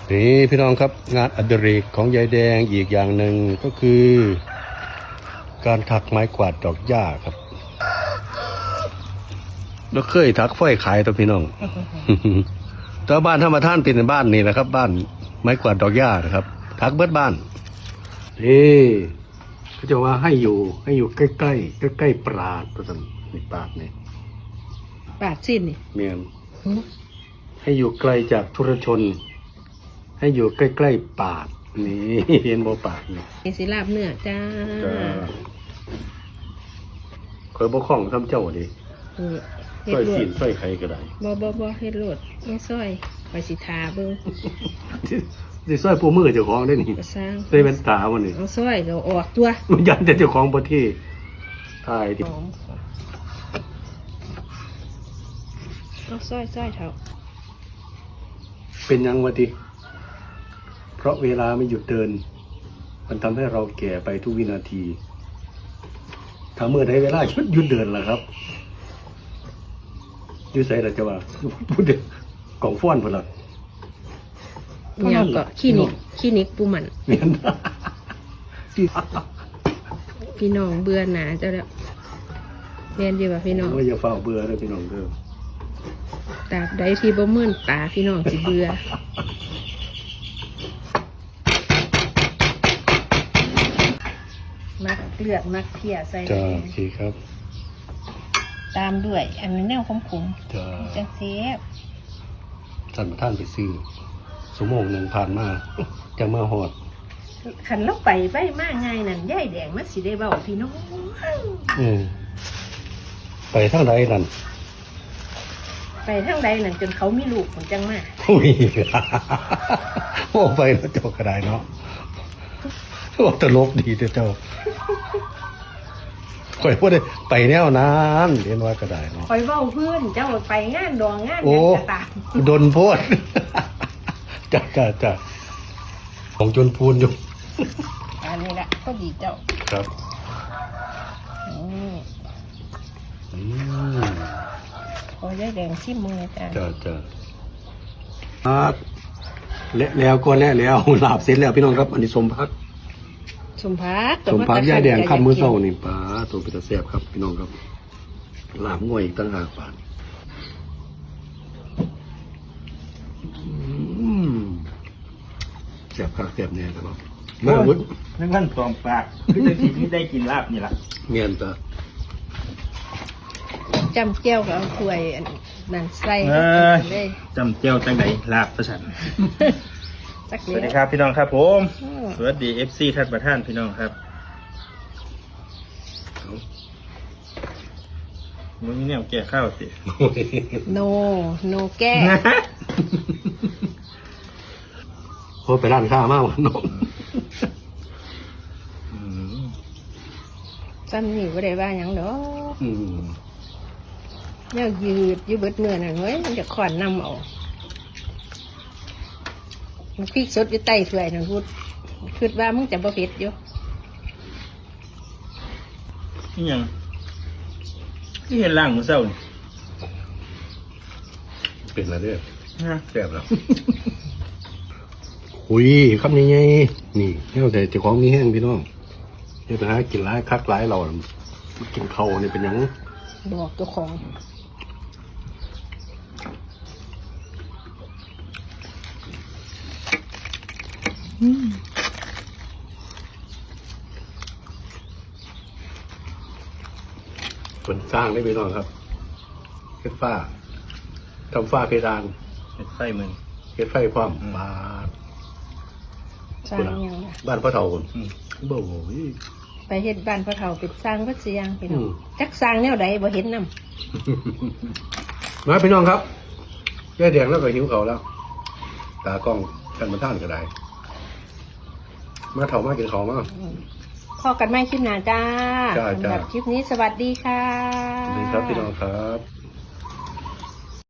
นี่พี่น้องครับงานอดิเรกของยายแดงอีกอย่างหนึ่งก็คือ การถักไม้กวาดดอกหญ้าครับแล้วเคยถักฝ้อยขายตัวพี่น้อง แต่บ้านธรรมท่านเป็นบ้านนี่นะครับ บ้านไม้กวาดดอกหญ้านะครับถักเบิดบ้านนี่เขาจะว่าให้อยู่ใกล้ปราดตัวสันนี่ปราดนี่ปาดสิ้นนี่เมียนให้อยู่ไกลจากทุรชน ให้อยู่ใกล้ๆปาดนี่ เห็นบ่ปาดนี่มีสิลาบเนื้อจ้าเคยบ่คล่องทำเจ้าดิเออซเฮ็อยดโลสีดนซอยไข่ก็ได้บ่เฮ็ดโลดไม่ซอยไปสิทาเบิ่งสิซอยปูมือเจ้าของได้นี่ก็สร้างใส่แว่นตามันนี่เอาซอยก็ออกตัวมันยันแต่เจ้าของบ่ที่ทายดิหอมเอาซอยเถอะเป็นยังวะติเพราะเวลาไม่หยุดเดิน มันทำให้เราแก่ไปทุกวินาทีถ้าเมื่อใดเวลาหยุดเดินล่ะครับอยู่ไสล่ะจะว่าพูดเด้อกล่องฟ้อนพุ่นล่ะเนี่ยก็คลินิกปูหมันเมียนพี่น้องเบื่อหนาเจ้าแล้วแม่นอยู่ว่าพี่น้องว่าอย่าเฝ้าเบื่อเด้อพี่น้องเด้อตราบใดที่บ่มื่นตาพี่น้องสิเบื่อมักเลือดมักเพียใส่จ้าโอเคครับตามด้วย อันนี้แนวขมจ้าๆจังเซฟท่านไปซื้อชั่วโมงหนึ่งผ่านมาจะมาหอดขันเราไปไว้มากไงนั่นย่ายแดงมันสิได้เบาพี่น้องไปทางใดนั่นไปทางใดนั่นจนเขามีลูกผมจังมาอุ้ย โอ้ไปแล้วเจ้าก็ได้เนาะโอ้ตลกดีเจ้าข่อยพูดได้ไปแนวนั้นเรียนว่าก็ได้เนาะคอยเว้าเพื่อนเจ้าไปงานดองงานโอ้หยังกะตามดนโพด จ้าของจนพูนอยู่อันนี้แหละก็ดีเจ้าครับอืมอืมขอย่ายแดงชิมมือจ้ะจ้าแล้วก็แล้วลาบเสร็จแล้วพี่น้องครับ อันนี้สมพักสมพักสมพักย่าแดงข้ามมือเศร้านี่ป้าตัวเป็นตาแซ่บครับพี่น้องครับลาบง่วยอีกตั้งหากบาทแซ่บคักแซ่บแน่ครับมาวุ้นนั่นขั้นตอมปากคือจะทีนี้ได้กินลาบนี่ล่ะเมียนตาจำเจียวกับเอาถ้วยอันนั่นใส่ เลยจำเจียวจังไดลาบประชันสักสเดีวัสดียวครับพี่น้องครับผมอืมสวัสดี FC ท่านประธานพี่น้องครับมึงนี่เนี่ยแก่ข้าวสิโนแก้โอ้ไปร้านข้าวมากน้องอืมซ้ำนี่ก็ได้ว่าหยังดอกอืมเนี่ยยืดอยู่เบิดเนื้อนั่นเว้ยมันจะขอนนำเอามันพริกสดอยู่ใต้ถ้วยนั่นพูดคิดว่ามึงจะบ่เผ็ดอยู่นี่ยังที่เห็นล่างมือเศร้านี่เป็นอะไรเด้อฮะแซ่บแล้วหุยคำนี้ไงนี่แล้วแต่เจ้าของมีแห้งพี่น้องเดี๋ยวไปหากินร้ายคักร้ายเรากินเขานี่เป็นหยังบอกเจ้าของคนสร้างได้พี่น้องครับเฮ็ดฝ้าทำฝ้าเพดานเห็ดไฟมึงเฮ็ดไฟพร้อมบาดสร้างหยังล่ะบ้านพ่อเฒ่าคนอืมบ่โหยไปเฮ็ดบ้านพ่อเฒ่าเป็นสร้างวัดเสียงพี่น้ออืงมจักสร้างแนวใดบ่เห็นนำมาพี่น้องครับแย่แดงแล้วก็หิวเขาวแล้ว ตากล้องกันมาท่านก็ได้ มาเฒ่ามากินของมาพอกันไม่คลิปหน้าจ้าจ้าสำหรับคลิปนี้สวัสดีค่ะดีครับพี่น้องครับ